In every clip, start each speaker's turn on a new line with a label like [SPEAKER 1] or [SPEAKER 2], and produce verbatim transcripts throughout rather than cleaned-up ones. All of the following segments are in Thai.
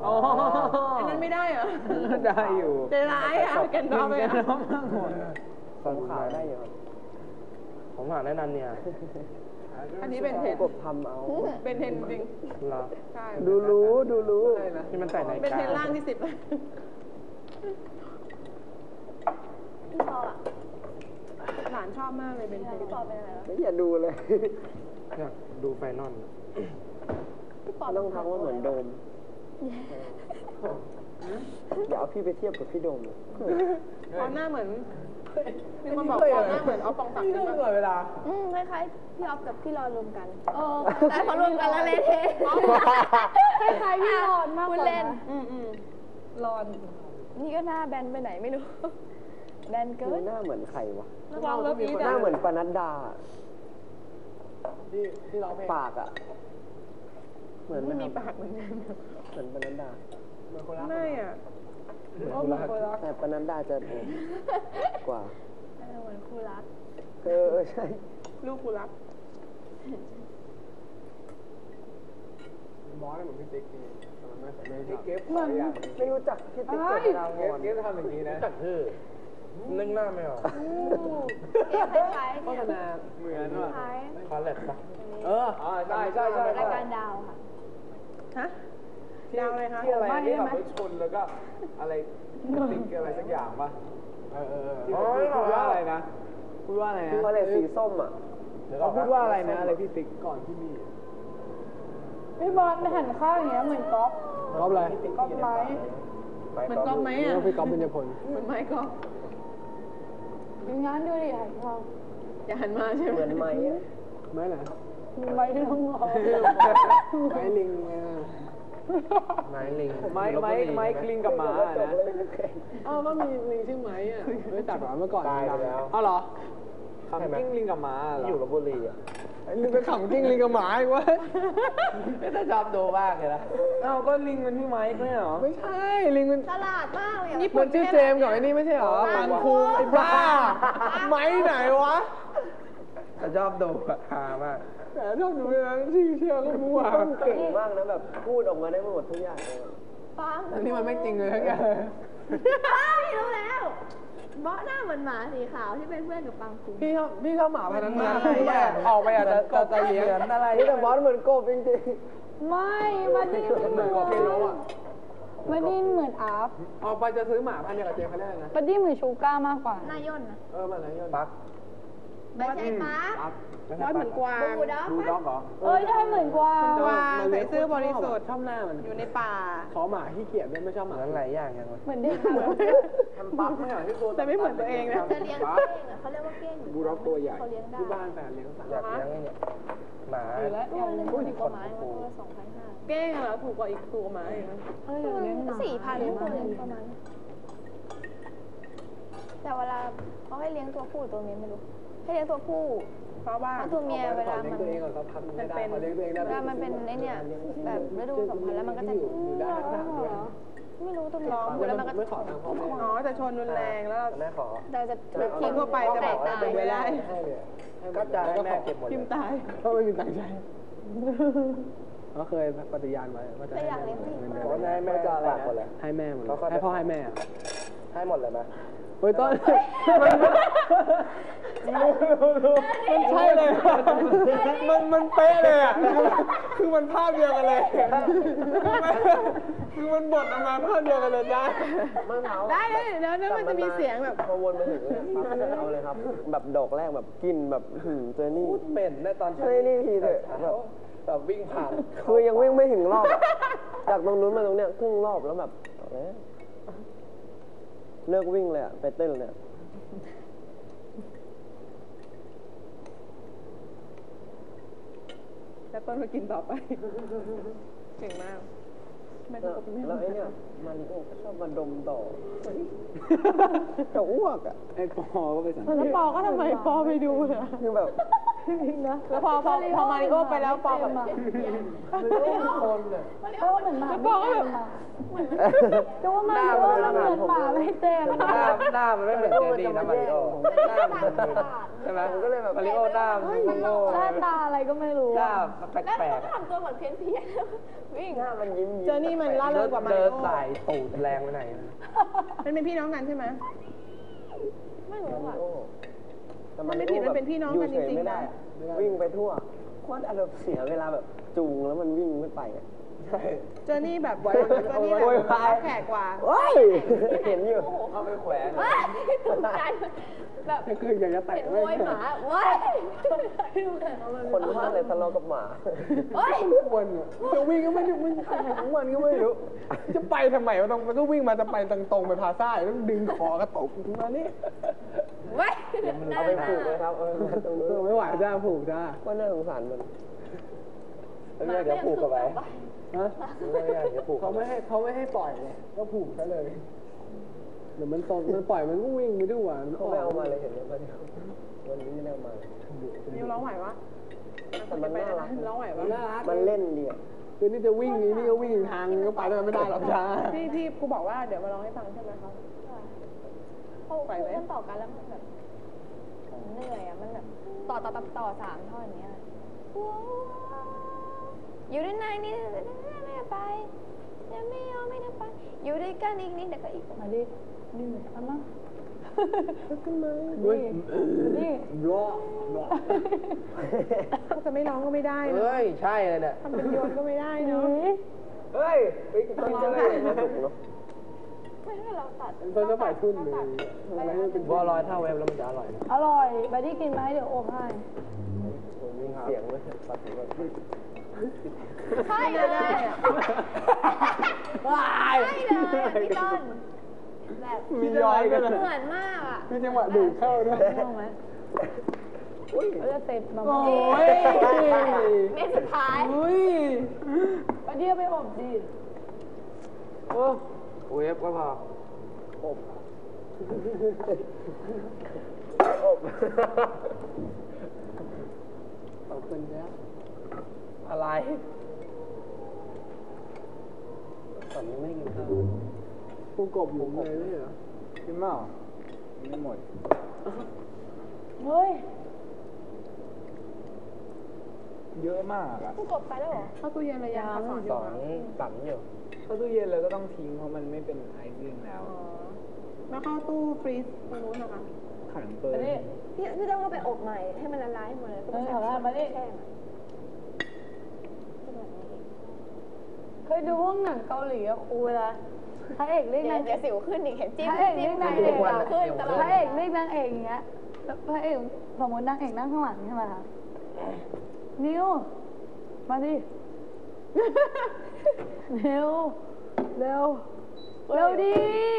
[SPEAKER 1] อ๋ออันนั้นไม่ได้เหรอ
[SPEAKER 2] ได้อยู่
[SPEAKER 1] ใจร้ายอ่ะแกนดอมเลยอ่ะ
[SPEAKER 3] ผมขาวได้อยู่ผมขาวได้นันเนี่ย
[SPEAKER 1] อันนี้เป็นเทน
[SPEAKER 3] กบทำเอา
[SPEAKER 1] เป็นเทนจริง
[SPEAKER 3] เหรอ
[SPEAKER 1] ใช่
[SPEAKER 3] ดูรู้ดูรู้ที่มันใส่ใน
[SPEAKER 1] เป็นเทนล่างที่สิบ
[SPEAKER 4] พี่ปออ่ะ
[SPEAKER 1] หลานชอบมากเลยเป็นเทน
[SPEAKER 4] พี่ปอเป็นอะไรวะ
[SPEAKER 3] ไม่อย่าดูเลยอยากดูไฟนอล
[SPEAKER 4] พี่ปอ
[SPEAKER 3] ต้องทำว่าเหมือนโดมอย่าเอาพี่ไปเทียบกับพี่โดมเลย
[SPEAKER 1] เพราะหน้าเหมือนมีคนบอกว่าหน้าเหมือนออฟปองศักดิ์ใช่ไหม
[SPEAKER 2] เวลา
[SPEAKER 4] อืมคล้ายๆพี่ออฟกับพี่รอนรวมกันเออแต่พอรวมกันแล้วเละเทะคล้ายๆพี่รอนมากกว่าเล่น
[SPEAKER 1] อืมอืมรอน
[SPEAKER 4] นี่ก็หน้าแบนไปไหนไม่รู้แบนเกิน
[SPEAKER 3] หน้าเหมือนใครวะ
[SPEAKER 1] ลองแล้วมี
[SPEAKER 3] หน้าเหมือนปนัดดา
[SPEAKER 2] ที่ที่ร้องเพลง
[SPEAKER 3] ปากอ่ะเหมือน
[SPEAKER 1] ไม่มีปากเหมือนกัน
[SPEAKER 3] เหมือนปนัดดา
[SPEAKER 1] ไม่อ่ะ
[SPEAKER 3] เหมือนคู่รักแต่ปนัดดาจะกว่า
[SPEAKER 4] เหมือนคู่รัก
[SPEAKER 3] เออใช่
[SPEAKER 1] ลูกคู่รัก
[SPEAKER 2] บอสเหมือนพี่ติ๊กนี่ไม่แต่ไม่จับ
[SPEAKER 3] มันไม่รู้จักพี่ติ๊กเกิดดาวงอน
[SPEAKER 2] เกฟทำอย่างนี้นะ
[SPEAKER 3] จักชื่อนึกหน้าไม่ออก
[SPEAKER 4] เอ๊ะคล้ายๆ
[SPEAKER 2] โฆษณาเหมือนว่ะ
[SPEAKER 3] คอลเลตปะ
[SPEAKER 2] เออใช่ใช่ใช่
[SPEAKER 4] รายการดาวค่ะ
[SPEAKER 1] ฮะดาวอะไรคะ
[SPEAKER 2] ที่อะไรที่แบบไปชนแล้วก็อะไรติ๊กอะไรสักอย่างปะเออเออที่พูดว่าอะไรนะพูดว่าอะไรนะ
[SPEAKER 3] คอลเลตสีส้มอ่ะ
[SPEAKER 2] เขาพูดว่าอะไรนะอะไรพี่ติ๊กก่อนที่มี
[SPEAKER 1] พี่บอลหันข้างอย่างเงี้ยเหมือนก๊อฟ
[SPEAKER 2] ก๊อฟอะไร
[SPEAKER 1] ก๊อฟไม้เหมือนก๊อฟไหมอ่ะ
[SPEAKER 2] พี่ก๊อฟเป็นยพล
[SPEAKER 1] เหมือนไม้ก๊อฟ
[SPEAKER 4] ดูงานดูดิหันมอง
[SPEAKER 1] อย่าหันมาใช่ไหม
[SPEAKER 3] เหมือนไม้
[SPEAKER 2] ไม้ไหน
[SPEAKER 1] ไม้ที่ต้องงอ
[SPEAKER 2] ไม้ลิง
[SPEAKER 3] ไม้ลิง
[SPEAKER 2] ไม้ไม้ไม้ลิงกับหมานะ
[SPEAKER 1] อ้าวก็มีลิงชื่อไม้อ่ะ
[SPEAKER 2] ไม่จักหรอเมื่อก่อน
[SPEAKER 3] ตายแล้ว
[SPEAKER 2] อ้าวเหรอขำกิ้งลิงกับหมา
[SPEAKER 3] อยู่ลพบุรีอ่ะ
[SPEAKER 2] ลิงไปขำกิ้งลิงกับหมาอีกวะ
[SPEAKER 3] ไม่ได้ชอบดูมากเลยนะ
[SPEAKER 2] อ้าวก็ลิงมันพี่ไม้ไม่เหรอไม่ใช่ลิงมัน
[SPEAKER 4] ตลาดมากเลย
[SPEAKER 2] นี่มันชื่อเจมส์กับไอ้นี่ไม่ใช่เหรอปันคุงไอ้บ้าไม้ไหนวะ
[SPEAKER 3] ชอบดูฮามาก
[SPEAKER 2] แต่ชอบดูเลยนะชื่อเชื่อก็มั่ว
[SPEAKER 3] เก่งมากนะแบบพูดออกมาได้หมดทุกอย่างเลย
[SPEAKER 4] ฟัง
[SPEAKER 2] อันนี้มันไม่จริงเลยทั้งอย่าง
[SPEAKER 4] พี่รู้แล้วเบาะหน้าเหมือนหมาสีขาวที่เป็นเพื่อนกับปังคุง
[SPEAKER 2] พี่ชอบพี่ชอบหมาพันธุ์นั้นออกไปอาจจะจะเลี้ยง
[SPEAKER 3] อะไรแต่บอสเหมือนกบจริง
[SPEAKER 4] ๆไม่มันนี่เหมือนกบ
[SPEAKER 2] ไม่รู้อ่ะ
[SPEAKER 4] มันนี่เหมือนอาร์ฟ
[SPEAKER 2] ออกไปจะซื้อหมาพันธุ์เดียวกับเจมเขาได้นะ
[SPEAKER 4] มันนี่เหมือนชูก้ามากกว่านายย่นนะ
[SPEAKER 2] เออมันนายย่น
[SPEAKER 3] ปัก
[SPEAKER 4] ไม่ใช่ปัก
[SPEAKER 1] บอสเหมือนกวาง
[SPEAKER 4] ดูด็อก
[SPEAKER 2] ดูด็อกเหรอ
[SPEAKER 4] เอ้ยได้เหมือนกวาง
[SPEAKER 1] กวางใส่เสื้อบริสุทธิ์
[SPEAKER 2] ชอบหน้ามัน
[SPEAKER 1] อยู่ในป่า
[SPEAKER 2] ขอหมาขี้เกียจไม่ชอบหมา
[SPEAKER 3] หลายอย่างอย่าง
[SPEAKER 4] เหมือนเด็ก
[SPEAKER 2] ทำปักไม่เหรอที่ตัว
[SPEAKER 1] แต่ไม่เหมือนตัวเองนะ
[SPEAKER 4] จะเลี้ยงเก้งเขาเรียกว่าเก้ง
[SPEAKER 2] บูด็อกตัวใหญ่
[SPEAKER 4] เขาเลี้ยงได้
[SPEAKER 2] ที่บ้านแฟนเลี้ยงสัตว์
[SPEAKER 3] อยากเลี้ยงเนี่ยหมา
[SPEAKER 4] แล้วยังพูดถึงกว่าไม้มันก็สองพันห้า
[SPEAKER 1] เก้งเหรอถูกกว่าอีกตัวไม้
[SPEAKER 4] เออสี่พันประมาณแต่เวลาเขาให้เลี้ยงตัวผู้ตัวเมียไม่รู้ให้เลี้ยงตัวผู้
[SPEAKER 1] เพราะว่า
[SPEAKER 4] ตัวเมียเวลามัน
[SPEAKER 2] ตัวเองเขาทำไม่ได้เขาเลี้ยงตัวเองได้
[SPEAKER 4] เวลามันเป็นไอ้เนี่ยแบบฤดูสัมพันธ์แล้วมันก็จะ
[SPEAKER 2] อยู่ได้ทั้งด้วย
[SPEAKER 4] ไม่รู้ตัวเมีย
[SPEAKER 2] ร้องแล้วมันก็ไม่ขอทางพ่อแม่
[SPEAKER 1] อ๋อแต่ชนรุนแรงแล้ว
[SPEAKER 3] แม่ขอ
[SPEAKER 4] แต่จะ
[SPEAKER 1] ทิ้งทั่วไปจะบอกว่าไม่ได้
[SPEAKER 3] ก็จะให้แม่เก็บหมด
[SPEAKER 1] พิมพ์ตาย
[SPEAKER 2] เพราะไม่มีตังค์ใช้เขาเคยปฏิญาณไว้ว่าจะให้
[SPEAKER 3] แม่แม่จะฝากหมดเลย
[SPEAKER 2] ให้แม่หมดให้พ่อให้แม่
[SPEAKER 3] ให้หมดเลยไหม
[SPEAKER 2] เฮ้ยต้นมันใช่เลยมันมันเป๊ะเลยอ่ะคือมันภาพเดียวกันเลยคือมันบทออกมาภาพเดียวกันเลยได้
[SPEAKER 1] ได้เลยแล้วนั่นมันจะมีเสียงแบบ
[SPEAKER 3] พอวนมาถึงเอาเลยครับแบบดอกแรกแบบกินแบบเจอนี่
[SPEAKER 2] เป็นในตอน
[SPEAKER 3] เจอนี่ทีเลยแบบ
[SPEAKER 2] แบบวิ่งผ่าน
[SPEAKER 3] คือยังวิ่งไม่ถึงรอบจากตรงนู้นมาตรงเนี้ยครึ่งรอบแล้วแบบเลิกวิ่งเลยอ่ะไปเต้นเลย
[SPEAKER 1] แล้วต้นก็กินต่อไปเก่งมาก
[SPEAKER 3] แล้วไอ้เนี่ยมาริโอก็ชอบมาดมต่อจะอ้วกอ่ะ
[SPEAKER 2] ไอ้ปอก็ไปสังเกต
[SPEAKER 1] แล้วปอก็ทำไมปอไปดูเลย
[SPEAKER 3] คือแบบ
[SPEAKER 4] จริงนะ
[SPEAKER 1] แล้วพอพอพอมาริโอไปแล้วปอแบบ
[SPEAKER 2] คนเลย
[SPEAKER 4] เออเหมือนหมาปอก็แบบก็ว่ามันก็ว่ามันเหมือนหมาไม่เต็ม
[SPEAKER 2] หน้าหน้ามันไม่เหมือนเจนี่นะมาริโอหน้ามันใช่ไหมผมก็เลยแบบมาริโอหน้ามันโง่
[SPEAKER 4] หน้าตาอะไรก็ไม่รู้
[SPEAKER 2] หน้าแป
[SPEAKER 4] แล้ว
[SPEAKER 2] ล
[SPEAKER 4] เขา
[SPEAKER 2] ก
[SPEAKER 4] ก็ทำตัวเหมือนเพี้ยนเพี้ยนวิ่ง
[SPEAKER 3] หน้ามันยิ้ม
[SPEAKER 1] เจอนี่มันล่าเริงกว่ามาริ
[SPEAKER 2] เดิน
[SPEAKER 1] โอ
[SPEAKER 2] สายตูดแรงไปไหน
[SPEAKER 1] มันเป็นพี่น้องกันใช่ไหม
[SPEAKER 4] ไม่รู้อ่ะ
[SPEAKER 1] มันไม่ผิดมันเป็นพี่น้องกันจริงๆ
[SPEAKER 3] ไม่ได้
[SPEAKER 1] นะ
[SPEAKER 3] วิ่งไปทั่วโคตรอารมณ์เสียเวลาแบบจูงแล้วมันวิ่งไม่ไปอ่ะใช่
[SPEAKER 1] เจอนี่แบบเจอนี่แบบแขกกว่า
[SPEAKER 3] ว้ายเห็นอยู่
[SPEAKER 2] เอาไปแขวน
[SPEAKER 4] ว้ายตกใจแบบ
[SPEAKER 2] คืออยากจะแตะ
[SPEAKER 4] เห็นมวยหมาว้าย
[SPEAKER 3] คนพลาดเลยทะเลาะกับหมา
[SPEAKER 4] เฮ้ย
[SPEAKER 2] วันอ่ะจะวิ่งก็ไม่ได้มันของมันก็ไม่รู้จะไปทำไมมันต้องมันก็วิ่งมาจะไปตรงๆไปพาซ่าแล้วดึงคอกระตกมานี่
[SPEAKER 4] เว้ย
[SPEAKER 3] เอาไปผูกเลยครับเอาไปผูกตรงนู้น
[SPEAKER 2] ไม่ไหวจ้าผูกจ้า
[SPEAKER 3] ว่าน่าสงสารมัน
[SPEAKER 2] เดี๋ยวผูกกับไปฮะเขาไม่ให้เขาไม่ให้ปล่อยไงก็ผูกซะเลยเดี๋ยวมันตนมันปล่อยมันก็วิ่งไปด้วย
[SPEAKER 3] เขาไม่เอามาเลยเห็นไหมวันนี้วันนี้ไม่ได้เอามา
[SPEAKER 1] นิวร้องไหวปะ
[SPEAKER 3] แต่มันน่ารัก
[SPEAKER 1] ร้องไหวปะ
[SPEAKER 2] น่ารัก
[SPEAKER 3] มันเล่นดีอ่ะ
[SPEAKER 2] คือนี่จะวิ่งนี่นี่ก็วิ่งทางก็ไปด้วยไม่ได้หรอกจ้า
[SPEAKER 1] พี่พี่กูบอกว่าเดี๋ยวมาร้องให้ฟังใช่ไหมคะ
[SPEAKER 4] เขามันต่อกันแล้วมันแบบเหนื่อยอ่ะมันแบบต่อต่อต่อต่อสามท่อนอย่างเงี้ยอยู่ด้านในนี่ไม่ไปยังไม่ยอมไม่ได้ไปอยู่ด้วยกันอีกนิดเดี๋ยวก็อีกมาดินี่อันนั้นขึ้นมา
[SPEAKER 2] ด้วย
[SPEAKER 4] นี่
[SPEAKER 2] รอรอ
[SPEAKER 1] ถ้าจะไม่ร้องก็ไม่ได้นะ
[SPEAKER 2] เฮ้ยใช่เลยเนี่ย
[SPEAKER 1] ทำเป็นโยนก็ไม่ได้เนาะ
[SPEAKER 2] เฮ้ยไปกินอะไร
[SPEAKER 3] สนุกเนาะ
[SPEAKER 4] ไม่ให้เราตัด
[SPEAKER 2] ต้นจะฝ่ายทุ่นเลยอะไรมันเป็นบัวลอยถ้าเวฟแล้วมันจะอร่อยนะ
[SPEAKER 4] อร่อยไปที่กินไหมเดี๋ยวโอมให้
[SPEAKER 3] ผมมีเสียงเลยตัดเสียงแบบ
[SPEAKER 4] ใช่เลยว้ายใช่เลยพี่ต้นแบบ
[SPEAKER 2] มีย้อยกัน
[SPEAKER 4] เห
[SPEAKER 2] นะ
[SPEAKER 4] มือนมากอ่ะ
[SPEAKER 2] มีจังหวะดูดเข้าด้วย
[SPEAKER 4] มองไหมเราจะเสร็จมา
[SPEAKER 2] โอ้ย
[SPEAKER 4] เมนสุดท้าย
[SPEAKER 2] อุ้ย
[SPEAKER 4] ไปเที่ยวไปอบดิ
[SPEAKER 2] โอ้เวฟก็พอ
[SPEAKER 3] อบอบ
[SPEAKER 2] ขอบคุณจ้าอะไร
[SPEAKER 3] ตอนนี้ไม่ได้กินข้าว
[SPEAKER 2] กูกบหลุมเลยไม่เหรอกินเปล่าไม่หมด
[SPEAKER 4] เฮ้ย
[SPEAKER 2] เยอะมากอ่ะ
[SPEAKER 4] ผู้กบไปแล้วเหรอ
[SPEAKER 1] เข้าตู้เย็นระยะสอนอ
[SPEAKER 3] ส
[SPEAKER 1] ยู่
[SPEAKER 3] อง
[SPEAKER 1] นะ
[SPEAKER 3] สั่งอยู่
[SPEAKER 2] เข้าตู้เย็นเลยก็ต้องทิ้งเพราะมันไม่เป็นไอซิ่งแล้ว
[SPEAKER 1] อ๋อแล้วเข้าตู้ฟรีซตรงนู้นนะคะ
[SPEAKER 2] ขังเปิด
[SPEAKER 4] พี่พี่ต้องเอาไปอบใหม่ให้มันละลายหมดเลยต้องใส่มาดิแช่เคยดูพวกหนังเกาหลีอะครูเวลาพระเอกเรียกนางเอกสิวขึ้นอีกเห็นจิ้มพระเอกเรียกนางเอกขึ้นตลอดพระเอกเรียกนางเอกอย่างเงี้ยพระเอกสมมตินางเอกนั่งข้างหลังใช่ไหมคะนิวมาดิเร็วเร็วเร็วดิ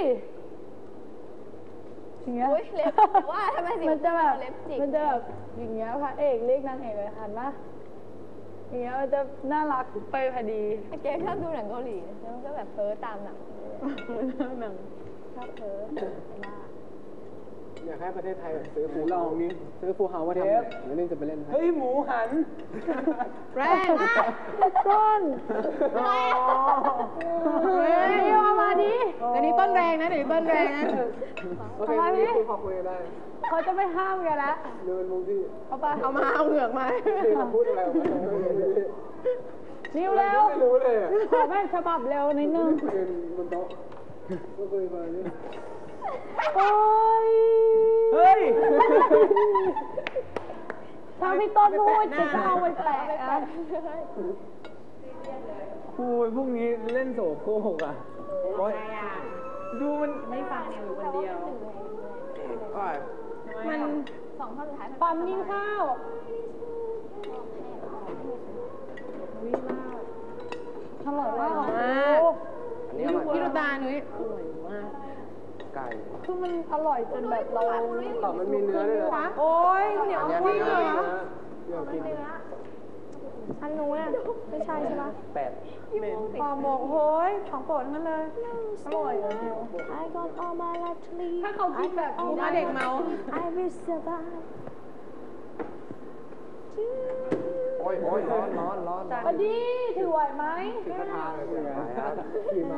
[SPEAKER 4] อย่างเงี้ยว่าทำไมมันจะแบบมันจะแบบอย่างเงี้ยพระเอกเรียกนางเอกเลยหันมาอย่างเงี้ยมันจะน่ารักไปพอดีเจ๊ชอบดูหนังเกาหลีแล้วก็แบบเพ้อตามหนัง
[SPEAKER 1] หนัง
[SPEAKER 4] ชอบเพ้อมาก
[SPEAKER 2] อยากให้ประเทศไทยแบบซื้อฟูลองนี่ซื้อฟูเฮาว่าทำแล้วนี่จะไปเล่นเฮ้ยหมูหัน
[SPEAKER 1] แรงมาก
[SPEAKER 4] ต้นเฮ้ยเอามาดิ
[SPEAKER 1] เดี๋ยวนี้ต้นแรงนะเดี๋ยวนี้ต้นแรงนะ
[SPEAKER 2] โอเคนี่คุยพอคุยได้
[SPEAKER 4] เขาจะไม่ห้ามกันละ
[SPEAKER 2] เดินมุมที่
[SPEAKER 4] เอาไป
[SPEAKER 1] เอามาเอาเหงือกมา
[SPEAKER 2] พูดอะไรออกมา
[SPEAKER 4] นิ้วเร็ว
[SPEAKER 2] ไม่รู้เลยอ่ะ
[SPEAKER 4] ขอแบบฉบับเร็วนิดนึง
[SPEAKER 2] ยืนบนโต๊ะก็คุยมานี่
[SPEAKER 4] โอ้ย
[SPEAKER 2] เฮ้ย
[SPEAKER 4] ถ้าพี่ต้นพูดจะเอาไปแปะอะ
[SPEAKER 2] คุยพวกนี้เล่นโสโครกอ่ะโอ๊ยดูมัน
[SPEAKER 1] ไม่ฟังนิวอยู่คนเดียว
[SPEAKER 4] มันสองท่อนสุดท้ายปั๊มยิงข้าวอร่อยมาก
[SPEAKER 1] มากพี่ลูกตาหนุ่ยอร่อยมาก
[SPEAKER 3] ไก่
[SPEAKER 4] คือมันอร่อยจนแบบเรา
[SPEAKER 2] ต่อมันมีเนื้อด้วยนะ
[SPEAKER 1] โอ้ยเหนียว
[SPEAKER 3] อัน
[SPEAKER 1] มาก
[SPEAKER 3] นี้
[SPEAKER 1] เล
[SPEAKER 3] เนื้
[SPEAKER 1] ย
[SPEAKER 3] อ
[SPEAKER 2] อยากกิน
[SPEAKER 4] อันนู้นไม่ใช่ใช่ปะ
[SPEAKER 3] แปด
[SPEAKER 1] ปลาหมกโฮ้ยของโปรดทั้งนั้นเลย
[SPEAKER 4] อร่อยเลยถ้าเขาคิดแบบ
[SPEAKER 1] กูมาเด็กเมา
[SPEAKER 4] I will survive
[SPEAKER 3] โอ้ยโอ้ยร้อนร้อนร้อน
[SPEAKER 4] บัดดี้ถือไหวไหม
[SPEAKER 2] กระทาเลยใช่ไหมครับขี่ม้า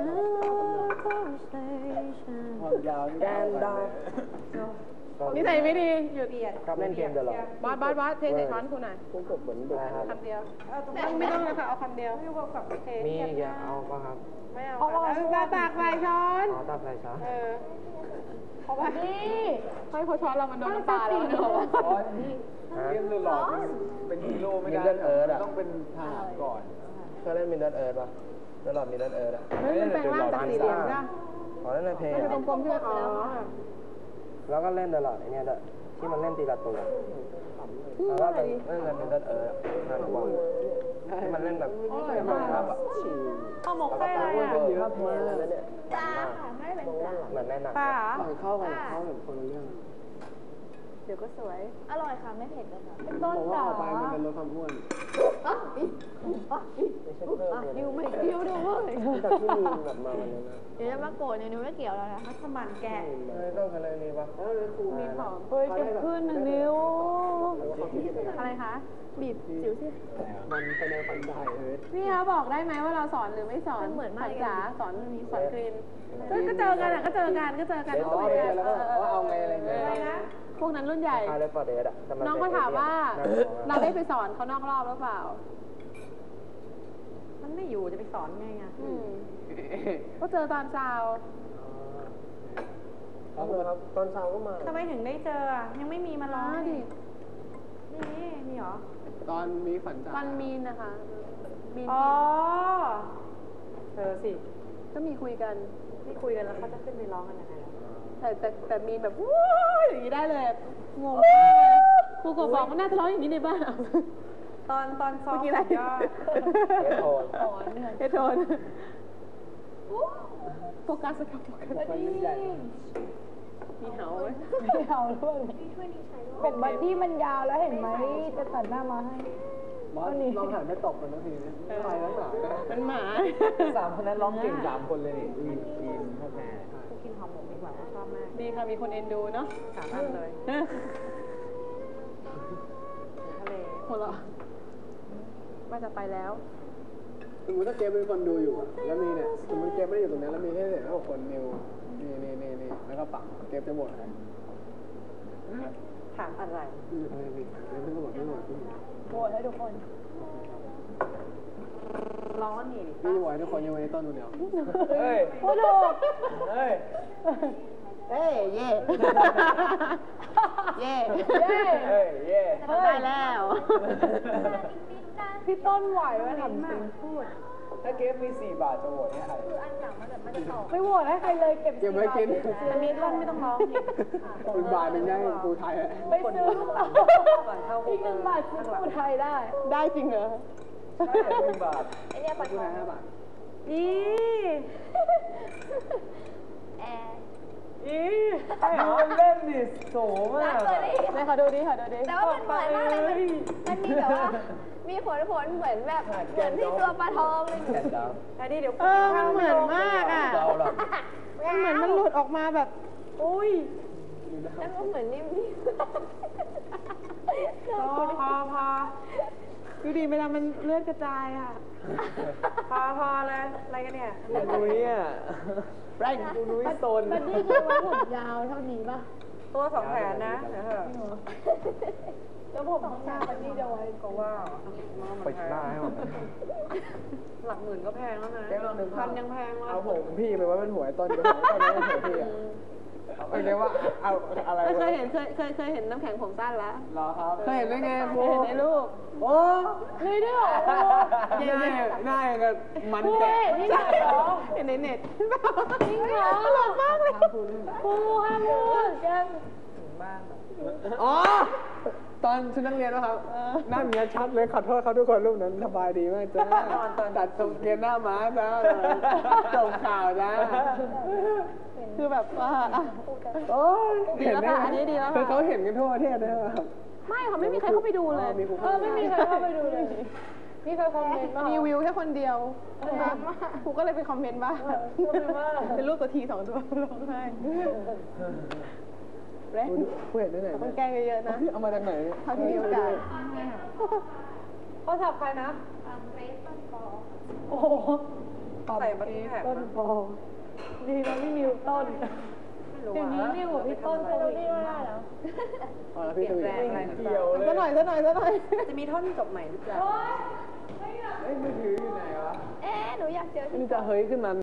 [SPEAKER 2] ความยาว
[SPEAKER 3] แกนดาว
[SPEAKER 1] นิสัยไม่ดีหยุด
[SPEAKER 3] ครับเล่นเกมเดี๋ยวหรอบ
[SPEAKER 1] อสบอสบอสเทใส่ช้อนคุณหน่อย
[SPEAKER 3] พวกผมเหมือนเด็กครับ
[SPEAKER 1] คำเดียวไม่ต้องเลยค่ะเอาคำเดียว
[SPEAKER 3] มีอย่าเอาป่ะครับ
[SPEAKER 1] ไม่เอาค่ะตากใส่ช้อน
[SPEAKER 3] อ๋อตับอะไรช้า
[SPEAKER 1] เออ
[SPEAKER 4] บัดดี้
[SPEAKER 1] ให้พอช้อนเรามันโดนน้ำปลาแล้วเนอะ
[SPEAKER 2] เล่นหลอกเป็นฮีโร่ไม่ได้ต้องเป็นทหารก่อน
[SPEAKER 3] เคยเล่นมินเดิร์ดเอิร์ดป่ะเล่นหลอดมินเดิร์ดเอิร์ดอ่ะ
[SPEAKER 1] เฮ้ยมันแปลงร่างจากสี่เหลี่ยมจ้ะ
[SPEAKER 3] อ๋อเล่นในเพลง
[SPEAKER 1] มันเป็นกลมๆใช่ไหมอ๋อ
[SPEAKER 3] แล้วก็เล่นตลอดไอเนี้ยด้วยที่มันเล่นตีละตัวแล้วก็เป็นเล่นในมินเดิร์ดเอิร์ดงานบอลที่มันเล่นแบบครับอ่ะ
[SPEAKER 1] ข้าวหมกไส้อะไรอ่ะ
[SPEAKER 3] เยอะมากเลยเนี่ยจ้าไม่เป็นจ้าเหมือนในหนัง
[SPEAKER 1] ปลา
[SPEAKER 2] หลังเข้ากันเข้าเหมือนคนละเรื่อง
[SPEAKER 1] เดี๋ยวก็สวย
[SPEAKER 5] อร่อยค่ะ ไม่เผ็ดเลยค่ะ
[SPEAKER 4] ต้น
[SPEAKER 2] เพราะว่า
[SPEAKER 4] จ๋า
[SPEAKER 2] ออกไปมันเป็นลดความอ้วน
[SPEAKER 5] นิวไม่เกี่ยวด้วย
[SPEAKER 3] จากที่มีแบบมาวันนี้นะ
[SPEAKER 5] เดี๋ยวจะมาโกรธนิวไม่เกี่ยวแล้วนะมัสมั่นแกะ
[SPEAKER 3] ไม่ต้องอะไรนี่ป่ะ
[SPEAKER 1] มีหอม
[SPEAKER 4] เฮ้ยเก็บขึ้นนะนิ้ว
[SPEAKER 1] อะไรคะ บีบจิ๋วสิ
[SPEAKER 2] มันเป็นแนวฟันได้เอ้ย
[SPEAKER 1] พี่คะบอกได้ไหมว่าเราสอนหรือไม่สอนเหมือนมากจ๋าสอนสอนกรีนก็เจอกันอ่ะก็เจอกันก็เจอกัน
[SPEAKER 2] อ๋อเนี่ยแล้วก็ว่าเอาไงอะไรเงี้ย
[SPEAKER 1] อะไรนะพวกนั้นรุ่นใหญ่
[SPEAKER 3] คาเลฟอร์เดสอ่ะ
[SPEAKER 1] น้องก็ถามว่าเราได้ไปสอนเขานอกรอบหรือเปล่า
[SPEAKER 5] มันไม่อยู่จะไปสอนไงอ่ะ
[SPEAKER 1] อืมก็เจอตอนเช้า
[SPEAKER 3] ครับครับตอนเช้าก็มา
[SPEAKER 5] ทำไมถึงได้เจออ่ะยังไม่มีมาร้อง
[SPEAKER 1] ดิ
[SPEAKER 5] นี่มีเหรอ
[SPEAKER 2] ตอนมีฝันจ่า
[SPEAKER 1] วันมีนนะคะมีน
[SPEAKER 5] อ๋อเธอสิ
[SPEAKER 1] ก็มีคุยกัน
[SPEAKER 5] ที่คุยกันแล้วเขาจะขึ้นไปร้องกันยังไงล่ะ
[SPEAKER 1] แต่แต่แต่มีนแบบวู้ยอย่างนี้ได้เลยงงมากเลยครูก็บอกว่าน่าจะร้องอย่างนี้ในบ้านเอา
[SPEAKER 5] ตอนตอนซ้อม
[SPEAKER 1] เมื่อกี้อะไร
[SPEAKER 5] ก็
[SPEAKER 3] เฮดโทน
[SPEAKER 1] เฮดโทนโฟกัสกับโฟกัส
[SPEAKER 2] มันใหญ่
[SPEAKER 1] มีเหาไหม
[SPEAKER 4] ไม่เอาด้วยเป็นบัดดี้มันยาวแล้วเห็นไหมจะตัดหน้ามาให้
[SPEAKER 2] บอสลองหันไปตบมันนะทีนี้ไปแล้วหนา
[SPEAKER 1] มันหมา
[SPEAKER 2] สามคนนั้นร้องเก่งสามคนเลยนี่อีอีมพ่อแม่
[SPEAKER 5] กูกินหอมหมกดีกว่าชอบมาก
[SPEAKER 1] ดีค่ะมีคนเอ็นดูเนาะ
[SPEAKER 5] สามอันเลย
[SPEAKER 1] เออ
[SPEAKER 5] ทะเล
[SPEAKER 1] หัวเราะว่าจะไปแล้ว
[SPEAKER 2] สมมติถ้าเกมเป็นคนดูอยู่อะแล้วมีเนี่ยสมมติเกมไม่ได้อยู่ตรงนี้แล้วมีแค่เนี่ยแล้วคนนิวนี่นี่นี่นี่แล้วก็ปักเกมจะหมดเลย
[SPEAKER 5] ถามอะไร
[SPEAKER 2] อืมไม่ไม่ไม่ไม่หมดไม่หมดไม่หมด
[SPEAKER 4] โหวตให้ทุกคน
[SPEAKER 5] ร้อนนี่
[SPEAKER 2] พี่ไหวทุกคนยังไว้ในต้นคนเดียว
[SPEAKER 3] เฮ้ย
[SPEAKER 4] โอ้ถูก
[SPEAKER 3] เฮ้ย
[SPEAKER 1] เอ้ยเย่เย่
[SPEAKER 4] เย้
[SPEAKER 3] เฮ้ยเย่
[SPEAKER 1] ได้แล้ว
[SPEAKER 4] พี่ต้นไหวไหมทำจริงพูด
[SPEAKER 2] ถ้าเกมมีสี่บาทจะโหวตให้ใคร
[SPEAKER 4] ไม่โหวตให้ใครเลยเก็บ
[SPEAKER 2] เก็บไว้กิน
[SPEAKER 5] อันนี้ท่อนไม่ต้องร้องนี่
[SPEAKER 2] คุณบาทหนึ่งได้กูไทยอะ
[SPEAKER 4] ไปซื้ออีกหนึ่งบาทซื้อผู้ไทยได้
[SPEAKER 1] ได้จริงเหรอ
[SPEAKER 2] หนึ่งบาท
[SPEAKER 5] ไอเนี่ยปัด
[SPEAKER 2] กูไทยห้าบาท
[SPEAKER 5] อี
[SPEAKER 3] อีไอ้มันเล่นดิโสมาก
[SPEAKER 1] ไหนขอดูดิขอดูดิ
[SPEAKER 5] แต่ว่ามันเหมือนมากเลยมันมีแบบว่า มีผลผลเหมือนแบบเหมือนที่ตัวปลาทองเลย
[SPEAKER 3] แกนดาว
[SPEAKER 5] อันนี้เดี๋ยว
[SPEAKER 1] เออมันเหมือนมากอ่ะ
[SPEAKER 3] ดาวหรอ
[SPEAKER 1] มันเหมือนมันหลุดออกมาแบบ
[SPEAKER 5] อุ้ยแล้วก็เหมือนนิ่ม
[SPEAKER 1] พอพอพอดูดิเวลามันเลือดกระจายอ่ะ
[SPEAKER 5] ๆพอพอเลยอะไรกันเนี่ย
[SPEAKER 3] นุ้ยอ่ะแรงกูนุ้ยโซน
[SPEAKER 4] บัดดี้คิดว่าผมยาวเท่านี้ป่ะ
[SPEAKER 5] ตัวสองแสนนะเดี๋ยวเถอะ
[SPEAKER 4] แล้วผมข้างหน้าบัดดี้จะไว้
[SPEAKER 5] ก็ว่า
[SPEAKER 3] ปิดหน้าให้หมด
[SPEAKER 5] หลักหมื่นก็แพงแล้วนะ
[SPEAKER 2] เกมลองหนึ่ง
[SPEAKER 5] พันยังแพงเลย
[SPEAKER 2] เอาผมพี่ไปไว้เป็นหัวไอ้ต้นกับหัวต้นแล้วหัวพี่อะเอาเรียกว่าเอาอะไร
[SPEAKER 1] เคยเห็นเคยเคยเคยเห็นน้ำแข็งผมสั้นแล้ว
[SPEAKER 2] รอครับเคยเห็นได้ไง
[SPEAKER 1] เค
[SPEAKER 2] โบ
[SPEAKER 1] ยเห็นในรูป
[SPEAKER 2] โอ้
[SPEAKER 4] เลยด้วยเหรอ
[SPEAKER 2] หน้าหน้าอย่างกับมันแกะ
[SPEAKER 4] นี่เหรอ
[SPEAKER 1] เห็นในเน็ต
[SPEAKER 4] จริงเหรอตลกมากเลยครูห้ามพูดแก
[SPEAKER 2] อ๋อตอนชุดนักเรียนนะครับหน้าเมียชัดเลยขอโทษเขาทุกคนรูปนั้นสบายดีมากจ้าตัดทรงเกณฑ์หน้าม้าจ้าส่งข่าวจ้า
[SPEAKER 1] คือแบบว่าอ่ะ
[SPEAKER 2] โอ้ย
[SPEAKER 1] ดีแล้วค่ะอันนี้ดีแล้วค่ะ
[SPEAKER 2] คือเขาเห็นกันทั่วประเทศนะครับ
[SPEAKER 1] ไม่ค่ะไม่มีใครเข้าไปดูเลย
[SPEAKER 4] เออไม่มีใครเข้าไปดูเลยมีใครคอมเมนต์บ้าง
[SPEAKER 1] มีวิวแค่คนเดียวครูก็เลยไปคอมเมนต์บ้างเป็นรูปตัวทีสองตัวร้องไห้เล่น
[SPEAKER 2] ผู้เห็นได้ไหน
[SPEAKER 1] ต้องแกล้งเยอะๆนะ
[SPEAKER 2] เอามาจากไหน
[SPEAKER 1] เท่าที่มีโอกาส
[SPEAKER 4] เขาสับใครนะโอ้โหใส่มาที่ต้นบอดีนะไม่มีต้นเดี๋ยวนี้นี่หัวพี่ต้นโควิดไม่ได้แล้ว
[SPEAKER 2] อ๋อแล้วพี่ทวีเกี่ยวเลย
[SPEAKER 1] ซะหน่อยซะหน่อยซะหน่อย
[SPEAKER 5] จะมีท่อนจบใหม่หรือเปล่า
[SPEAKER 2] เอ้ยมือถืออยู่ไหนวะ
[SPEAKER 5] เอ๊ะหนูอยากเจอ
[SPEAKER 2] นี่จะเฮ้ยขึ้นมา